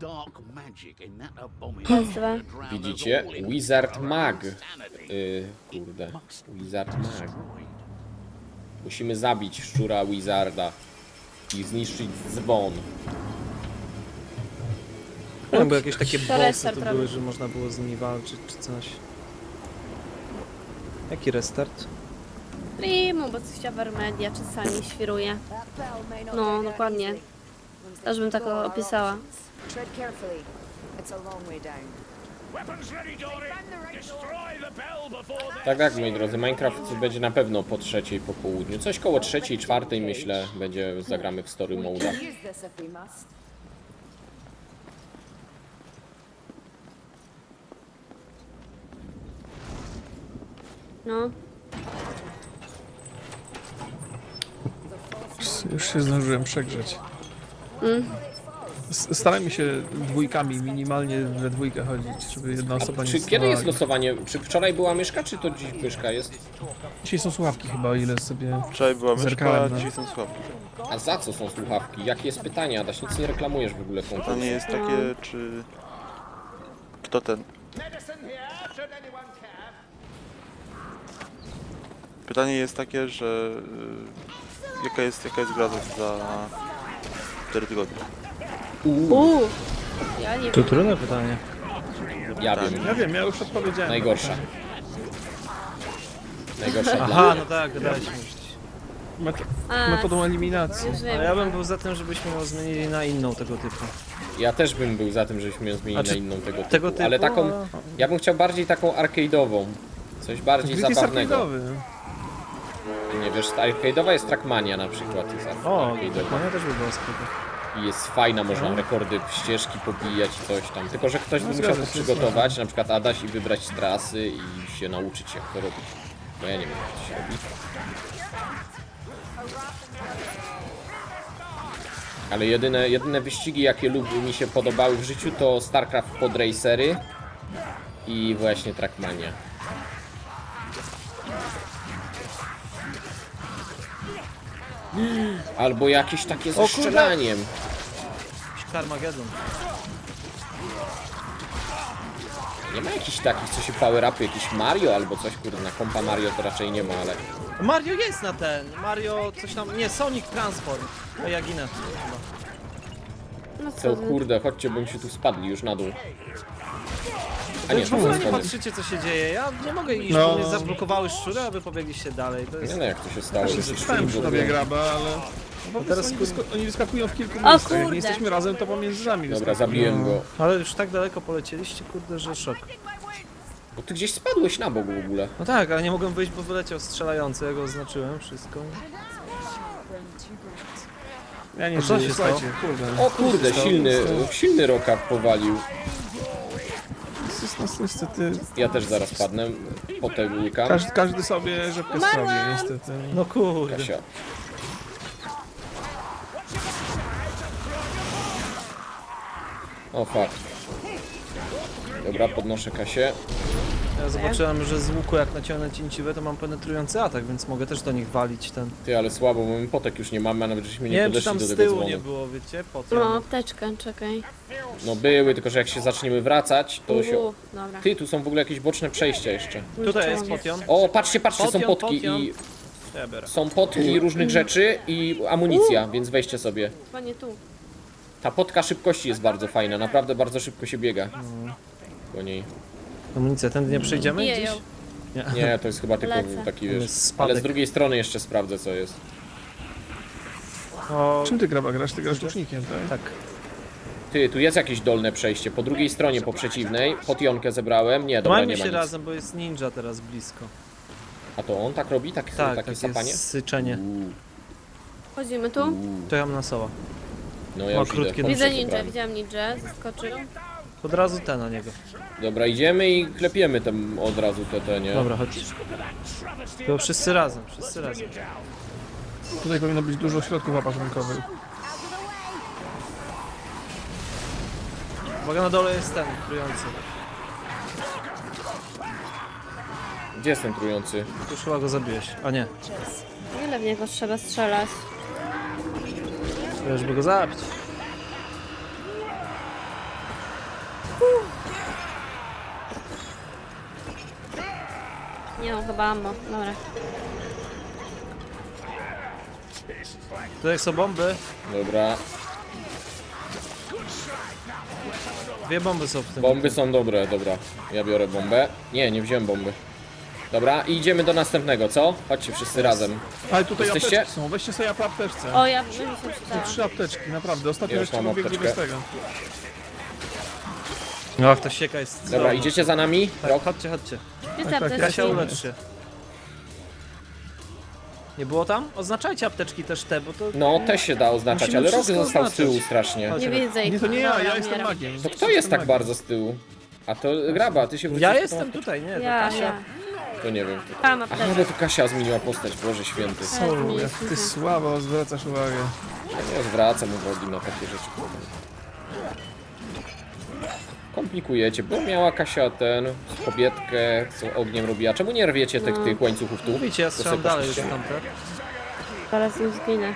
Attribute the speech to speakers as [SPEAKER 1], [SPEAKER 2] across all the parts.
[SPEAKER 1] Raz, dwa.
[SPEAKER 2] Widzicie? Wizard Mag. Kurde. Wizard Mag. Musimy zabić szczura Wizarda i zniszczyć dzwon.
[SPEAKER 3] No, bo jakieś takie bossy
[SPEAKER 1] restart
[SPEAKER 3] tu
[SPEAKER 1] robi.
[SPEAKER 3] były, że można było z nimi walczyć czy coś. Jaki restart?
[SPEAKER 1] Primo, bo coś Avermedia czasami świruje. No, dokładnie. Też bym tak opisała.
[SPEAKER 4] Tread carefully. It's a long way down.
[SPEAKER 2] Tak, moi drodzy, Minecraft będzie na pewno po 3:00 po południu. Coś koło 3:00, 4:00 myślę, zagramy w story mode.
[SPEAKER 4] Use this if we must.
[SPEAKER 1] No.
[SPEAKER 5] Już się zdążyłem przegrzeć. Starajmy się dwójkami, minimalnie we dwójkę chodzić, żeby jedna osoba nie
[SPEAKER 2] Czy kiedy
[SPEAKER 5] stała.
[SPEAKER 2] jest losowanie? Czy wczoraj była myszka, czy to dziś myszka jest?
[SPEAKER 5] Dzisiaj są słuchawki chyba, o ile sobie
[SPEAKER 6] Wczoraj była myszka,
[SPEAKER 5] zerkałem
[SPEAKER 6] a
[SPEAKER 5] na...
[SPEAKER 6] dzisiaj są słabki.
[SPEAKER 2] A za co są słuchawki? Jakie jest pytanie, Adaś? Nic nie reklamujesz w ogóle konta.
[SPEAKER 6] Pytanie jest takie, czy... Kto ten... Pytanie jest takie, że... Jaka jest gra za 4 tygodnie?
[SPEAKER 1] Ja nie
[SPEAKER 3] To
[SPEAKER 1] wiem.
[SPEAKER 3] trudne pytanie.
[SPEAKER 2] Ja wiem.
[SPEAKER 5] Ja wiem, ja już odpowiedziałem.
[SPEAKER 2] Najgorsza. Najgorsza dla
[SPEAKER 3] Aha,
[SPEAKER 2] mnie.
[SPEAKER 3] no tak, gadałeś mówić.
[SPEAKER 5] Metodą eliminacji.
[SPEAKER 1] Już
[SPEAKER 3] A
[SPEAKER 1] wiem.
[SPEAKER 3] ja bym był za tym, żebyśmy ją zmienili na inną tego typu.
[SPEAKER 2] Ja też bym był za tym, żebyśmy ją zmienili
[SPEAKER 3] Znaczy,
[SPEAKER 2] na inną tego typu.
[SPEAKER 3] tego typu,
[SPEAKER 2] Ale taką...
[SPEAKER 3] ale-
[SPEAKER 2] Ja bym chciał bardziej taką arcade'ową. Coś bardziej
[SPEAKER 5] Grid jest
[SPEAKER 2] zabawnego.
[SPEAKER 5] arcade'owy.
[SPEAKER 2] Nie wiesz, ta arcade'owa jest Trackmania na przykład. Jest
[SPEAKER 3] O,
[SPEAKER 2] arcade'owa.
[SPEAKER 3] ja też by było spoko.
[SPEAKER 2] I jest fajna, można rekordy ścieżki pobijać i coś tam. Tylko, że ktoś by musiał
[SPEAKER 5] zgadza
[SPEAKER 2] to
[SPEAKER 5] się,
[SPEAKER 2] przygotować, na przykład Adaś, i wybrać trasy i się nauczyć jak to robić. Bo ja nie wiem jak to się robi. Ale jedyne wyścigi jakie mi się podobały w życiu to StarCraft Podracery i właśnie Trackmania. Albo jakieś takie ze strzelaniem.
[SPEAKER 3] Carmageddon.
[SPEAKER 2] Nie ma jakichś takich, co się power-upy, jakiś Mario albo coś, kurde, na kompa Mario to raczej nie ma, ale...
[SPEAKER 3] Mario jest na ten. Mario coś tam. Nie, Sonic Transform. O, ja ginę. Chyba.
[SPEAKER 1] No
[SPEAKER 2] Co,
[SPEAKER 1] co ty?
[SPEAKER 2] kurde, chodźcie, bym się tu spadli już na dół. A nie,
[SPEAKER 3] W
[SPEAKER 2] to
[SPEAKER 3] ogóle
[SPEAKER 2] jest
[SPEAKER 3] nie
[SPEAKER 2] schody.
[SPEAKER 3] patrzycie co się dzieje. Ja nie mogę iść,
[SPEAKER 5] No.
[SPEAKER 3] bo mnie zablokowały szczury, a wy pobiegliście dalej. To
[SPEAKER 2] Nie
[SPEAKER 3] jest...
[SPEAKER 2] no, jak to się stało?
[SPEAKER 5] Ja się
[SPEAKER 2] że
[SPEAKER 5] stałem przy tobie graba, ale... No bo
[SPEAKER 3] teraz
[SPEAKER 5] teraz oni wyskakują w kilku
[SPEAKER 1] O
[SPEAKER 5] miejscach. Jak
[SPEAKER 1] kurde.
[SPEAKER 5] nie jesteśmy razem, to pomiędzy nami
[SPEAKER 2] Dobra,
[SPEAKER 5] wyskakują.
[SPEAKER 2] zabiłem go.
[SPEAKER 3] Ale już tak daleko polecieliście, kurde, że szok.
[SPEAKER 2] Bo ty gdzieś spadłeś na bok w ogóle.
[SPEAKER 3] No tak, ale nie mogłem wyjść, bo wyleciał strzelający, ja go oznaczyłem, wszystko.
[SPEAKER 5] Ja nie
[SPEAKER 3] A co
[SPEAKER 5] żyję,
[SPEAKER 3] się
[SPEAKER 5] słuchajcie, kurde.
[SPEAKER 2] O kurde, silny roka powalił.
[SPEAKER 5] Jest niestety...
[SPEAKER 2] Ja też zaraz padnę, potem łykam.
[SPEAKER 5] Każdy sobie rzepkę sprawi, niestety.
[SPEAKER 3] No kurde.
[SPEAKER 2] Kasia. O fuck. Dobra, podnoszę Kasię.
[SPEAKER 3] Ja zobaczyłem, że z łuku jak naciągnę cięciwe, to mam penetrujący atak, więc mogę też do nich walić ten.
[SPEAKER 2] Ty, ale słabo, bo my potek już nie mamy, a nawet żeśmy
[SPEAKER 3] Nie
[SPEAKER 2] nie
[SPEAKER 3] wiem, czy
[SPEAKER 2] podeszli
[SPEAKER 3] tam
[SPEAKER 2] do
[SPEAKER 3] z
[SPEAKER 2] tego
[SPEAKER 3] tyłu
[SPEAKER 2] dzwonu.
[SPEAKER 3] nie było, wiecie? Po co?
[SPEAKER 1] No, apteczkę, czekaj.
[SPEAKER 2] No były, tylko że jak się zaczniemy wracać, to się...
[SPEAKER 1] Dobra.
[SPEAKER 2] Ty, tu są w ogóle jakieś boczne przejścia jeszcze.
[SPEAKER 3] Tutaj jest potion.
[SPEAKER 2] O, patrzcie, są
[SPEAKER 3] Potion,
[SPEAKER 2] potki
[SPEAKER 3] potion.
[SPEAKER 2] i...
[SPEAKER 3] Ja biorę.
[SPEAKER 2] Są potki różnych rzeczy i amunicja, więc weźcie sobie.
[SPEAKER 1] Chyba nie tu.
[SPEAKER 2] Ta potka szybkości jest bardzo fajna, naprawdę bardzo szybko się biega. Po niej.
[SPEAKER 3] Amunicja, tędy nie przejdziemy
[SPEAKER 1] Biję
[SPEAKER 3] gdzieś?
[SPEAKER 1] ją.
[SPEAKER 2] Nie, to jest chyba tylko
[SPEAKER 1] Lecę.
[SPEAKER 2] taki,
[SPEAKER 3] Tam
[SPEAKER 2] wiesz...
[SPEAKER 3] jest spadek.
[SPEAKER 2] Ale z drugiej strony jeszcze sprawdzę, co jest.
[SPEAKER 3] O,
[SPEAKER 5] Czym ty graba grasz? Ty grasz łucznikiem, tak?
[SPEAKER 3] tak.
[SPEAKER 2] Ty, tu jest jakieś dolne przejście. Po drugiej stronie, po przeciwnej. Potionkę zebrałem. Nie, dobra, nie
[SPEAKER 3] Trzymajmy
[SPEAKER 2] ma
[SPEAKER 3] się
[SPEAKER 2] nic.
[SPEAKER 3] razem, bo jest ninja teraz blisko.
[SPEAKER 2] A to on tak robi?
[SPEAKER 3] Tak,
[SPEAKER 2] takie
[SPEAKER 3] takie
[SPEAKER 2] sapanie?
[SPEAKER 3] syczenie.
[SPEAKER 1] Chodzimy tu?
[SPEAKER 3] To ja mam na soła.
[SPEAKER 2] No ja
[SPEAKER 3] O,
[SPEAKER 2] już idę.
[SPEAKER 3] krótkie
[SPEAKER 2] Pomysł
[SPEAKER 1] Widzę
[SPEAKER 2] wybrałem.
[SPEAKER 1] ninja, widziałam ninja, zaskoczył.
[SPEAKER 3] Od razu te na niego.
[SPEAKER 2] Dobra, idziemy i klepiemy tam od razu te, nie?
[SPEAKER 3] Dobra, chodź. To wszyscy razem, wszyscy razem.
[SPEAKER 5] Tutaj powinno być dużo środków opatrunkowych.
[SPEAKER 3] Uwaga, na dole jest ten trujący.
[SPEAKER 2] Gdzie jest ten trujący?
[SPEAKER 3] Już chyba go zabiłeś. A nie,
[SPEAKER 1] Ile w niego trzeba strzelać?
[SPEAKER 3] to już by go zabić.
[SPEAKER 1] Nie mam chyba ammo. Dobra.
[SPEAKER 3] Tutaj są bomby.
[SPEAKER 2] Dobra.
[SPEAKER 3] 2 bomby są w tym.
[SPEAKER 2] Bomby są dobre, dobra. Ja biorę bombę. Nie wziąłem bomby. Dobra, i idziemy do następnego, co? Chodźcie wszyscy razem.
[SPEAKER 5] Ale tutaj
[SPEAKER 2] Jesteście?
[SPEAKER 5] apteczki są, weźcie sobie po apteczce.
[SPEAKER 1] O, ja bym się
[SPEAKER 5] Są
[SPEAKER 1] przydała.
[SPEAKER 5] 3 apteczki, naprawdę. Ostatnio
[SPEAKER 2] Ja już
[SPEAKER 5] jeszcze
[SPEAKER 2] mam
[SPEAKER 5] biegli
[SPEAKER 2] apteczkę.
[SPEAKER 5] bez tego.
[SPEAKER 3] No, ta sieka jest
[SPEAKER 2] Dobra,
[SPEAKER 3] cudowna.
[SPEAKER 2] idziecie za nami?
[SPEAKER 3] Tak,
[SPEAKER 2] Rok?
[SPEAKER 3] chodźcie, chodźcie.
[SPEAKER 1] Gdzie te
[SPEAKER 5] tak,
[SPEAKER 1] apteczki?
[SPEAKER 3] Kasia, ulecz się. Nie było tam? Oznaczajcie apteczki też te, bo to...
[SPEAKER 2] No, też się da oznaczać,
[SPEAKER 3] Musimy
[SPEAKER 2] ale Rok
[SPEAKER 3] wszystko
[SPEAKER 2] został z tyłu
[SPEAKER 3] oznaczać.
[SPEAKER 2] strasznie.
[SPEAKER 3] Chodź.
[SPEAKER 1] Nie widzę ich.
[SPEAKER 5] Nie, to nie ja,
[SPEAKER 1] Dobra,
[SPEAKER 5] ja jestem
[SPEAKER 1] umieram.
[SPEAKER 5] magiem.
[SPEAKER 2] To kto jest tak bardzo z tyłu? A to Graba, ty się wrócisz
[SPEAKER 3] Ja
[SPEAKER 2] po tą-
[SPEAKER 3] jestem tutaj, nie, to
[SPEAKER 1] Ja.
[SPEAKER 3] Kasia.
[SPEAKER 2] To nie wiem.
[SPEAKER 1] Mam
[SPEAKER 2] Aha,
[SPEAKER 1] apteczkę.
[SPEAKER 2] bo tu Kasia zmieniła postać, Boże święty.
[SPEAKER 5] O, jak ty słabo zwracasz uwagę.
[SPEAKER 2] Ja nie zwracam uwagi na takie rzeczy. Komplikujecie, bo miała Kasia kobietkę, co ogniem robiła. Czemu nie rwiecie tych łańcuchów tu?
[SPEAKER 3] Mówicie, ja
[SPEAKER 2] To
[SPEAKER 3] strzelam
[SPEAKER 2] sobie
[SPEAKER 3] dalej już
[SPEAKER 2] poszliście.
[SPEAKER 3] tamte.
[SPEAKER 1] Zaraz im zginę.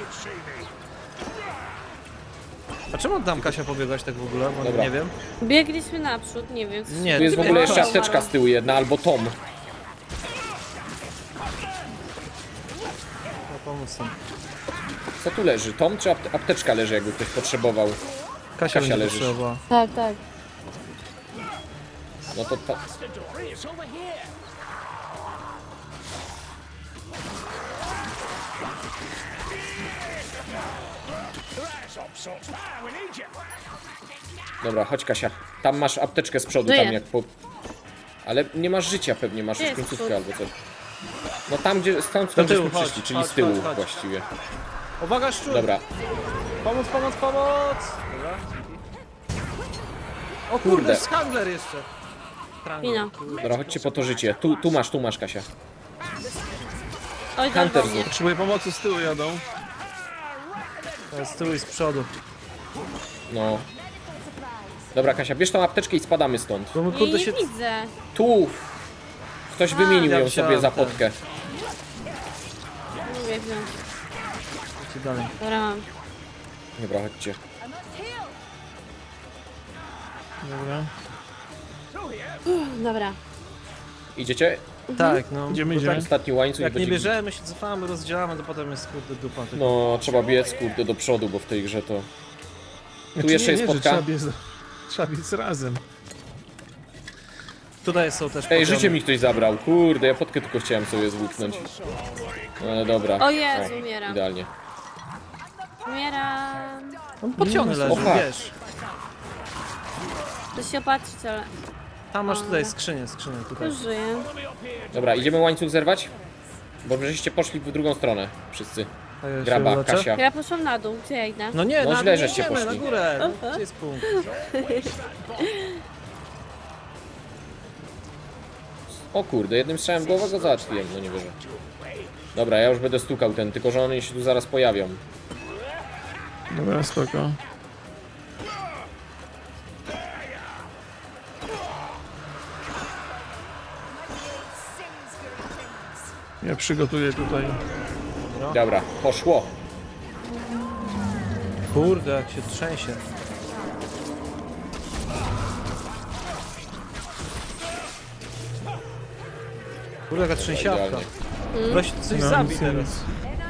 [SPEAKER 3] A czemu tam Kasia pobiegłaś tak w ogóle? Bo
[SPEAKER 2] Dobra.
[SPEAKER 3] nie wiem.
[SPEAKER 1] Biegliśmy naprzód, nie wiem. co
[SPEAKER 3] Nie,
[SPEAKER 2] Tu jest w ogóle jeszcze
[SPEAKER 1] Umarłam.
[SPEAKER 2] apteczka z tyłu jedna, albo tom.
[SPEAKER 3] No, pomóc tam.
[SPEAKER 2] Co tu leży? Tom czy apteczka leży, jakby ktoś potrzebował?
[SPEAKER 3] Kasia będzie
[SPEAKER 2] leżysz.
[SPEAKER 3] potrzebowała.
[SPEAKER 1] Tak, tak.
[SPEAKER 2] No to ta... Dobra, chodź Kasia. Tam masz apteczkę z przodu,
[SPEAKER 1] Żyję.
[SPEAKER 2] tam jak po... Ale nie masz życia pewnie, masz już
[SPEAKER 1] Jest
[SPEAKER 2] końcówkę
[SPEAKER 1] przód.
[SPEAKER 2] albo coś. No tam, gdzie stąd
[SPEAKER 3] Do tyłu,
[SPEAKER 2] żeśmy
[SPEAKER 3] chodź,
[SPEAKER 2] przyszli, czyli
[SPEAKER 3] chodź,
[SPEAKER 2] z tyłu
[SPEAKER 3] chodź, chodź.
[SPEAKER 2] właściwie.
[SPEAKER 3] Uwaga, szczur!
[SPEAKER 2] Dobra,
[SPEAKER 3] Pomóc, pomóc, pomóc! Dobra. O kurde,
[SPEAKER 2] Kurde.
[SPEAKER 3] jest handler jeszcze. Trangler.
[SPEAKER 1] Wino.
[SPEAKER 2] dobra, chodźcie po to życie. Tu masz Kasia.
[SPEAKER 1] Oj,
[SPEAKER 2] Hunter
[SPEAKER 1] dorwał mnie.
[SPEAKER 5] Potrzebuję pomocy, z tyłu jadą.
[SPEAKER 3] To jest z tyłu i z przodu.
[SPEAKER 2] No. Dobra Kasia, bierz tą apteczkę i spadamy stąd.
[SPEAKER 3] Bo my
[SPEAKER 1] Nie,
[SPEAKER 3] kurde
[SPEAKER 1] nie
[SPEAKER 3] się...
[SPEAKER 1] widzę.
[SPEAKER 2] Tu! Ktoś wymienił
[SPEAKER 3] ja
[SPEAKER 2] ją sobie za
[SPEAKER 3] wziąłem ten.
[SPEAKER 2] potkę.
[SPEAKER 1] Nie mówię wziąć.
[SPEAKER 3] Idźcie dalej.
[SPEAKER 1] Dobra, mam.
[SPEAKER 2] Dobra, chodźcie.
[SPEAKER 5] Dobra.
[SPEAKER 1] Dobra.
[SPEAKER 2] Idziecie?
[SPEAKER 3] Tak, no.
[SPEAKER 5] Idziemy,
[SPEAKER 3] bo
[SPEAKER 5] idziemy.
[SPEAKER 3] tak,
[SPEAKER 2] Ostatni łańcuch
[SPEAKER 3] jak nie
[SPEAKER 2] będzie...
[SPEAKER 3] bierzemy, się cofamy, rozdzielamy, to potem jest kurde dupa. tylko.
[SPEAKER 2] No, trzeba biec, kurde, do przodu, bo w tej grze to...
[SPEAKER 5] Znaczy,
[SPEAKER 2] jeszcze
[SPEAKER 5] nie,
[SPEAKER 2] jest
[SPEAKER 5] że
[SPEAKER 2] spotka-
[SPEAKER 5] trzeba biec razem.
[SPEAKER 3] Tutaj są też
[SPEAKER 2] Ej,
[SPEAKER 3] poziomy.
[SPEAKER 2] życie mi ktoś zabrał, kurde, ja potkę tylko chciałem sobie zwłóknąć. No ale dobra.
[SPEAKER 1] O Jezu, umieram.
[SPEAKER 2] Idealnie.
[SPEAKER 1] Umieram.
[SPEAKER 3] Tam pociąg leży,
[SPEAKER 2] Opa.
[SPEAKER 3] wiesz.
[SPEAKER 1] To się opatrzyć, ale
[SPEAKER 3] Tam masz tutaj skrzynię tutaj.
[SPEAKER 1] już żyję.
[SPEAKER 2] Dobra, idziemy łańcuch zerwać? Bo żeście poszli w drugą stronę, wszyscy.
[SPEAKER 3] A ja się
[SPEAKER 2] Graba,
[SPEAKER 3] uleczę.
[SPEAKER 2] Kasia.
[SPEAKER 1] Ja poszłam na dół, gdzie ja idę?
[SPEAKER 3] No nie,
[SPEAKER 2] No
[SPEAKER 3] na
[SPEAKER 2] źle,
[SPEAKER 3] dół
[SPEAKER 2] żeście
[SPEAKER 3] idziemy, na
[SPEAKER 2] poszli.
[SPEAKER 3] górę. No, gdzie jest punkt?
[SPEAKER 2] O kurde, jednym strzałem w głowę go załatwiłem, no nie wierzę. Dobra, ja już będę stukał ten, tylko że one się tu zaraz pojawią.
[SPEAKER 5] Dobra, spoko. Ja przygotuję tutaj.
[SPEAKER 2] Dobra, poszło.
[SPEAKER 3] Kurde, jak się trzęsie. Kurde, jaka trzęsiawka.
[SPEAKER 2] Idealnie.
[SPEAKER 3] Weź coś
[SPEAKER 5] No,
[SPEAKER 3] zabij
[SPEAKER 5] nic,
[SPEAKER 3] teraz.
[SPEAKER 5] nic.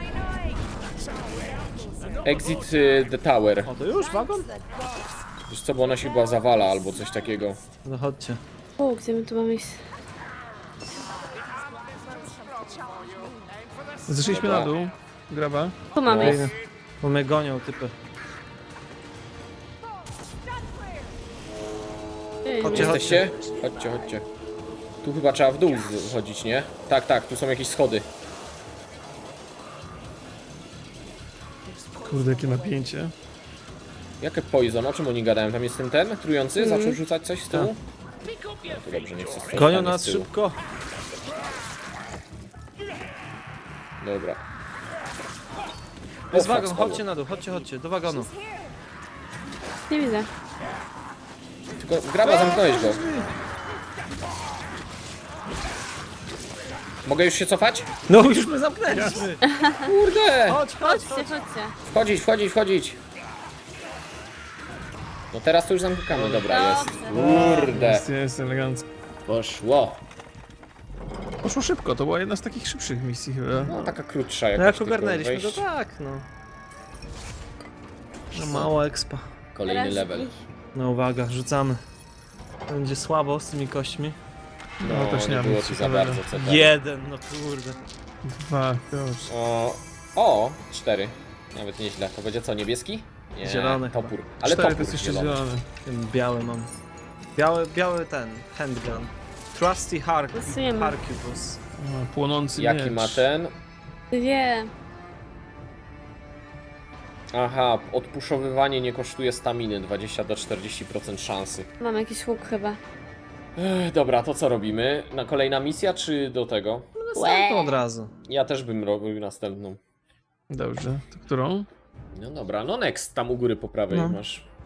[SPEAKER 2] Exit the tower.
[SPEAKER 3] O, to już wagon?
[SPEAKER 2] Wiesz co, bo ona się chyba zawala albo coś takiego.
[SPEAKER 3] No chodźcie.
[SPEAKER 1] O, gdzie my tu mamy iść?
[SPEAKER 5] Zeszliśmy
[SPEAKER 2] Dobra.
[SPEAKER 5] na dół. Graba.
[SPEAKER 1] Tu mamy
[SPEAKER 2] No.
[SPEAKER 1] iść.
[SPEAKER 3] Bo mnie gonią typy.
[SPEAKER 1] Ej,
[SPEAKER 3] Chodźcie,
[SPEAKER 2] Jesteście? Chodźcie, chodźcie. Tu chyba trzeba w dół chodzić, nie? Tak, tak, tu są jakieś schody.
[SPEAKER 5] Kurde, jakie napięcie.
[SPEAKER 2] Jakie poison? O czym oni gadają? Tam jest ten trujący? Zaczął rzucać coś z tyłu? No to dobrze, nie chcę stąd
[SPEAKER 3] Gonią
[SPEAKER 2] stanie
[SPEAKER 3] nas
[SPEAKER 2] z tyłu.
[SPEAKER 3] szybko.
[SPEAKER 2] Dobra.
[SPEAKER 3] Jest
[SPEAKER 2] O,
[SPEAKER 3] wagon,
[SPEAKER 2] spadło.
[SPEAKER 3] chodźcie na dół, chodźcie, do wagonu.
[SPEAKER 1] Nie widzę.
[SPEAKER 2] Tylko Graba, zamknąłeś go. Mogę już się cofać?
[SPEAKER 3] No już my zamknęliśmy.
[SPEAKER 2] Kurde!
[SPEAKER 3] Chodź, chodź,
[SPEAKER 1] Chodźcie, chodźcie.
[SPEAKER 2] Wchodzić, wchodzić, wchodzić. No teraz to już zamykamy, dobra, jest. Kurde.
[SPEAKER 5] Jest elegancko.
[SPEAKER 2] Poszło.
[SPEAKER 5] poszło szybko, to była jedna z takich szybszych misji chyba.
[SPEAKER 2] No taka krótsza
[SPEAKER 3] No
[SPEAKER 2] jakaś.
[SPEAKER 3] jak
[SPEAKER 2] tylko
[SPEAKER 3] ogarnęliśmy, to
[SPEAKER 2] wejść.
[SPEAKER 3] tak, no. No mało expa.
[SPEAKER 2] Kolejny
[SPEAKER 1] Teraz
[SPEAKER 2] level.
[SPEAKER 1] ich-
[SPEAKER 3] No uwaga, rzucamy. Będzie słabo z tymi kośćmi.
[SPEAKER 2] No,
[SPEAKER 5] też nie
[SPEAKER 2] nie
[SPEAKER 5] mam
[SPEAKER 2] było
[SPEAKER 5] nic
[SPEAKER 2] tu za
[SPEAKER 5] ciekawego.
[SPEAKER 2] bardzo co tam.
[SPEAKER 3] Jeden, no kurde.
[SPEAKER 5] 2, proszę.
[SPEAKER 2] O, 4. Nawet nieźle. To będzie co, niebieski? Nie,
[SPEAKER 3] Zielony
[SPEAKER 2] topór. Ale
[SPEAKER 5] 4 to
[SPEAKER 2] topór
[SPEAKER 5] jest jeszcze
[SPEAKER 2] zielony.
[SPEAKER 5] zielony.
[SPEAKER 3] Ten biały mam. Biały ten, handgun. Trusty
[SPEAKER 1] Losujemy.
[SPEAKER 3] Harkibus.
[SPEAKER 5] O, płonący
[SPEAKER 2] Jaki
[SPEAKER 5] miecz.
[SPEAKER 2] ma ten?
[SPEAKER 1] Dwie.
[SPEAKER 2] Aha, odpuszowywanie nie kosztuje staminy. 20 do 40% szansy.
[SPEAKER 1] Mam jakiś łuk chyba.
[SPEAKER 2] Dobra, to co robimy? Na kolejna misja, czy do tego?
[SPEAKER 3] Następną od razu.
[SPEAKER 2] Ja też bym robił następną.
[SPEAKER 5] Dobrze, to którą?
[SPEAKER 2] No dobra, no next, tam u góry po prawej
[SPEAKER 3] No.
[SPEAKER 2] masz.